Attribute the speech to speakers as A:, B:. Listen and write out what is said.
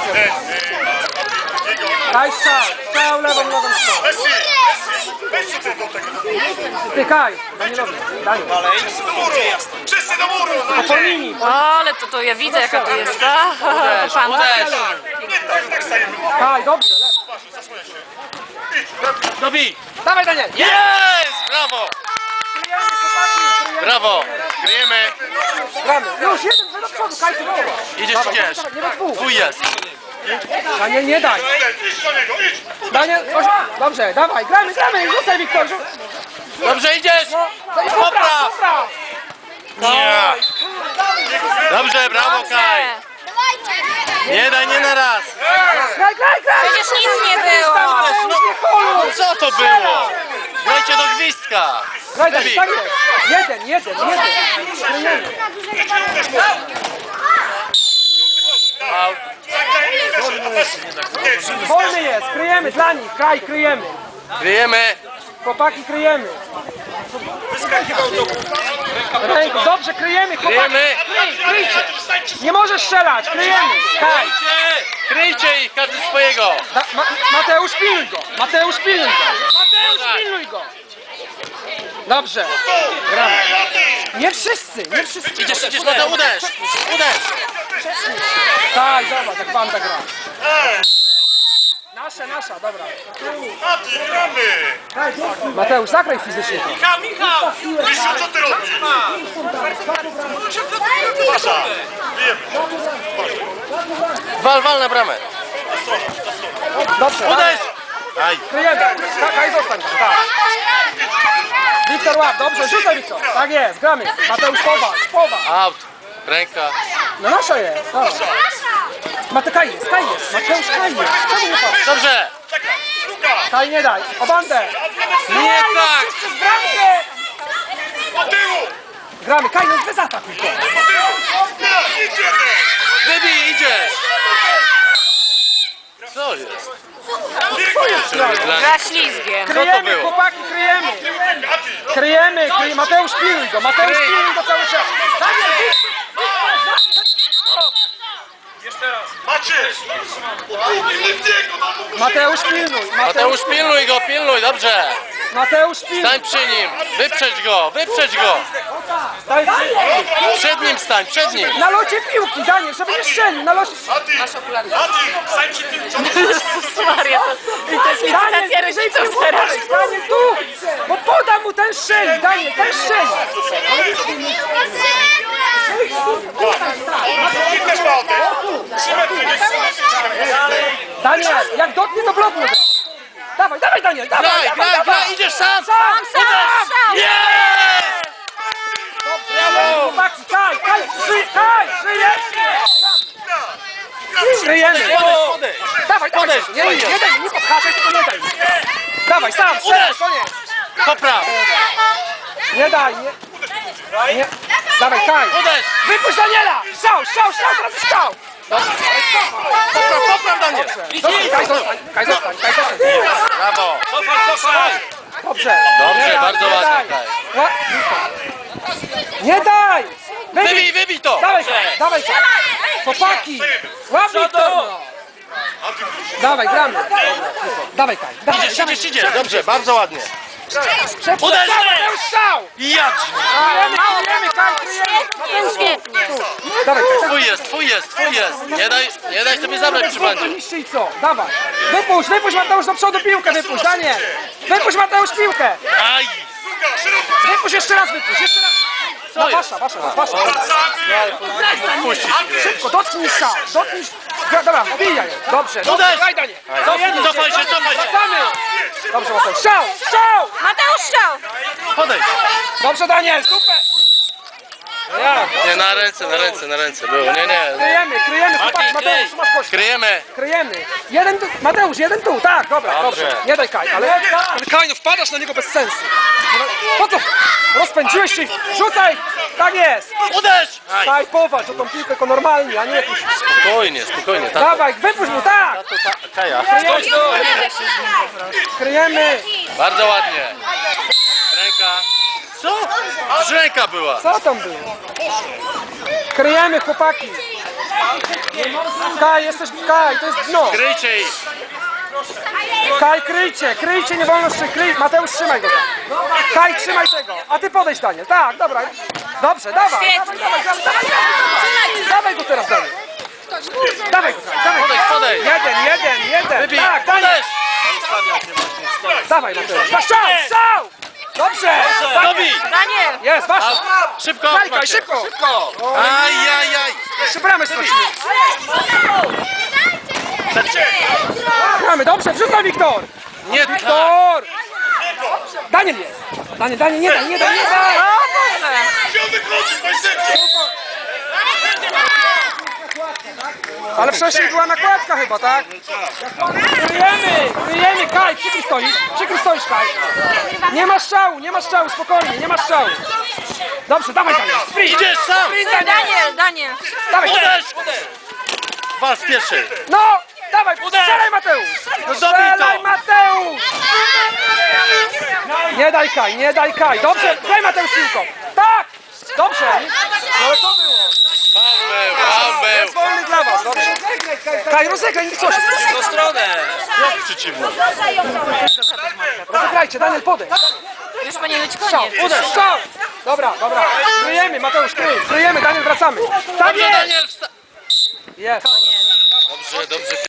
A: Kaj strzał, lewą nogą strzał. Ty Kaj, Danielowi, Daniel.
B: Wszyscy do muru!
A: Po linii.
C: Ale to ja widzę jaka to jest ta pan.
B: Tak stajemy.
A: Kaj, dobrze, lewo.
D: Dobij!
A: Dawaj Daniel.
D: Jest! Brawo!
A: Kryjemy, chłopaki, kryjemy.
D: Brawo! Kryjemy!
A: Gramy. Już, jeden do przodu, Kaj, ty woła.
D: Idziesz, idziesz!
A: Nie do dwóch.
D: Twój jest!
A: Daniel, nie daj.
B: Idź do niego, idź!
A: Daniel, dobrze, dawaj, gramy, rzucaj Wiktor.
D: Dobrze idziesz!
A: Popraw,
D: Popraw!
A: popraw.
D: Nie! Dobrze, brawo Kaj! Nie daj, nie na raz!
A: Graj.
C: Przecież nic nie było.
D: No co to było? Grajcie do gwizdka!
A: Graj, Daniel, tak jest. Jeden. Kryjemy.
D: Out.
A: Wolny jest, kryjemy dla nich, Kaj, kryjemy.
D: Kryjemy!
A: Chłopaki, kryjemy. Ręką, dobrze, kryjemy, chłopaki.
D: Kryjemy!
A: Kryjcie. Nie możesz strzelać, kryjemy. Kaj.
D: Kryjcie ich, każdy swojego!
A: Mateusz, pilnuj go. Mateusz, pilnuj go. Dobrze. Gramy. Nie wszyscy.
D: Idziesz, no to uderz!
A: Tak, zobacz, jak banda gra. Nasza, dobra.
B: Mati, gramy!
A: Mateusz, zagraj fizycznie.
D: Michał!
B: Mistrzu, co ty robisz? Pasza! Bijemy!
D: Wal na bramę!
A: Dobrze,
D: Uderz! Aj!
A: kryjemy. Kaj, zostań tam, tak. Wiktor, łap, dobrze, rzucaj Wiktor. Tak jest, gramy. Mateusz, powal.
D: Out! Ręka!
A: No nasza jest, dobra. Kaj jest. Mateusz, Kaj jest. Czemu nie patrz?
D: Dobrze!
A: Kaj, nie daj. O bandę.
D: Nie tak!
A: Przez bramkę.
B: Do tyłu!
A: Gramy, Kaj, no wyzatakuj go.
B: Do tyłu! Idziemy!
D: Wybij, idziesz! Co jest?
C: Gra ślizgiem.
A: Kryjemy,
D: było?
A: chłopaki, kryjemy. Kryjemy. Mateusz, pilnuj go cały czas. Daniel,
B: Maciej! Udługnij w niego, no mów!
A: Mateusz, pilnuj.
D: Mateusz, pilnuj go, dobrze!
A: Mateusz, pilnuj.
D: Stań przy nim! Wyprzedź go!
A: Daj,
D: Przed nim stań, przed nim!
A: na locie piłki, Daniel, żeby nie strzelił. Na locie.
B: Mati! Stań przy tym, co
C: Jezus Maria, to jest licytacja rodziców teraz.
A: Daniel, tu. Bo poda mu ten strzeli, Daniel, ten strzeli.
B: I też ma oddech! 3 metry, nie 3 metry!
A: Daniel, jak dotknie, to bloknie. Dawaj, Daniel, dawaj.
D: Graj, idziesz sam!
A: Sam.
D: Jest!
A: Chłopaki, Kaj, kryjemy. Dawaj,
D: Podejdź,
A: nie podchaszaj, tylko nie daj. Dawaj, sam,
D: Uderz.
A: koniec.
D: Popraw!
A: Nie daj, nie. Dawaj, Kaj.
D: Uderz!
A: Wypuść Daniela! Strzał, teraz jest strzał.
D: Popraw, Daniel!
A: Kaj, zostań.
D: Brawo!
A: Dobrze.
D: Dobrze, bardzo ładnie, Kaj.
A: Nie daj!
D: Wybij to!
A: Dawaj, Kaj. Chłopaki, łap Wiktor. Dawaj, gramy. Dawaj, Kaj.
D: Idziesz, dobrze, bardzo ładnie.
A: Uderz! Strzał!
D: Jadź!
A: Kryjemy, Kaj, kryjemy.
C: Świetnie.
A: Dawaj, Kaj.
D: Twój jest! Nie daj sobie zabrać przy bandzie.
A: Niszczy i co? Dawaj. Wypuść Mateusz do przodu piłkę, wypuść, Daniel. Wypuść Mateusz piłkę.
D: Aj!
A: Wypuść jeszcze raz. No, wasza.
D: Puścić grę.
A: Szybko, dotknij strzał. Dobra, wbijaj. Dobrze.
D: Uderz!
A: Daj, Daniel.
D: Cofaj się!
A: Wracamy. Dobrze, Mateusz. Strzał.
C: Mateusz strzał.
D: Podejdź!
A: Dobrze, Daniel, super.
D: Nie, na ręce było, nie.
A: Kryjemy. Chłopaki, Mateusz, masz gościa. Kryjemy. Mateusz, jeden tu, tak, dobra, dobrze. Nie daj Kaj, ale Kaj, no wpadasz na niego bez sensu. Po co? Rozpędziłeś się, rzucaj! Tak jest!
D: Uderz! Aj!
A: Kaj, powalcz o tą piłkę jako normalnie, a nie jakoś...
D: Spokojnie, tato.
A: Dawaj, wypuść mu, tak!
D: Kaja.
A: Kryjemy!
D: Bardzo ładnie. Ręka. Co? Już ręka była.
A: Co tam było? Kryjemy, chłopaki! Kaj, jesteś, Kaj, to jest dno.
D: Kryjcie ich.
A: Kaj, kryjcie, nie wolno kryj. Mateusz, trzymaj go. Kaj, trzymaj tego. A ty podejdź, Daniel. Tak, dobra. Dobrze, dawaj. Dawaj go teraz, Daniel. Dawaj go, Kaj, dawaj.
D: Podejdź.
A: Jeden.
D: Wybij.
A: Tak, Daniel.
D: Uderz.
A: Dawaj, Mateusz. Strzał! Dobrze.
D: Dobij.
C: Daniel!
A: Jest, wasz.
D: Szybko.
A: Kaj,
D: Macie.
A: szybko.
D: Ajajaj.
A: Jeszcze bramę stracimy. Gramy, dobrze, wrzucaj, Wiktor.
D: Nie tak.
A: Wiktor. Daniel jest. Daniel, nie daj.
B: Wziął wychodzić, panie sędzio!
A: Ale wcześniej była nakładka chyba, tak? Kryjemy, Kaj, przykry stoisz, Kaj. Nie ma strzału, spokojnie, nie ma strzału. Dobrze, dawaj, Daniel, sprint.
D: Idziesz sam.
C: Daniel!
A: Dawaj,
D: Uderz. Wal w pierwszy.
A: no, dawaj, strzelaj, Mateusz.
D: No dobij
A: Strzelaj,
D: to.
A: Mateusz. Nie daj, Kaj, dobrze, daj, Mateusz, piłką. Tak, dobrze. No ale to było.
D: Faul był.
A: Jest wolny dla was, dobrze. Kaj, rozegraj, nie coś.
D: W stronę. Jest przeciwny.
A: Rozegrajcie, Daniel, podejdź.
C: Już powinien być
A: Strzał,
C: koniec.
A: uderz, strzał. Dobra. Kryjemy, Mateusz, kryjemy, Daniel, wracamy. Tak
D: Dobrze,
A: jest.
D: Daniel.
A: Jest.
D: Dobrze.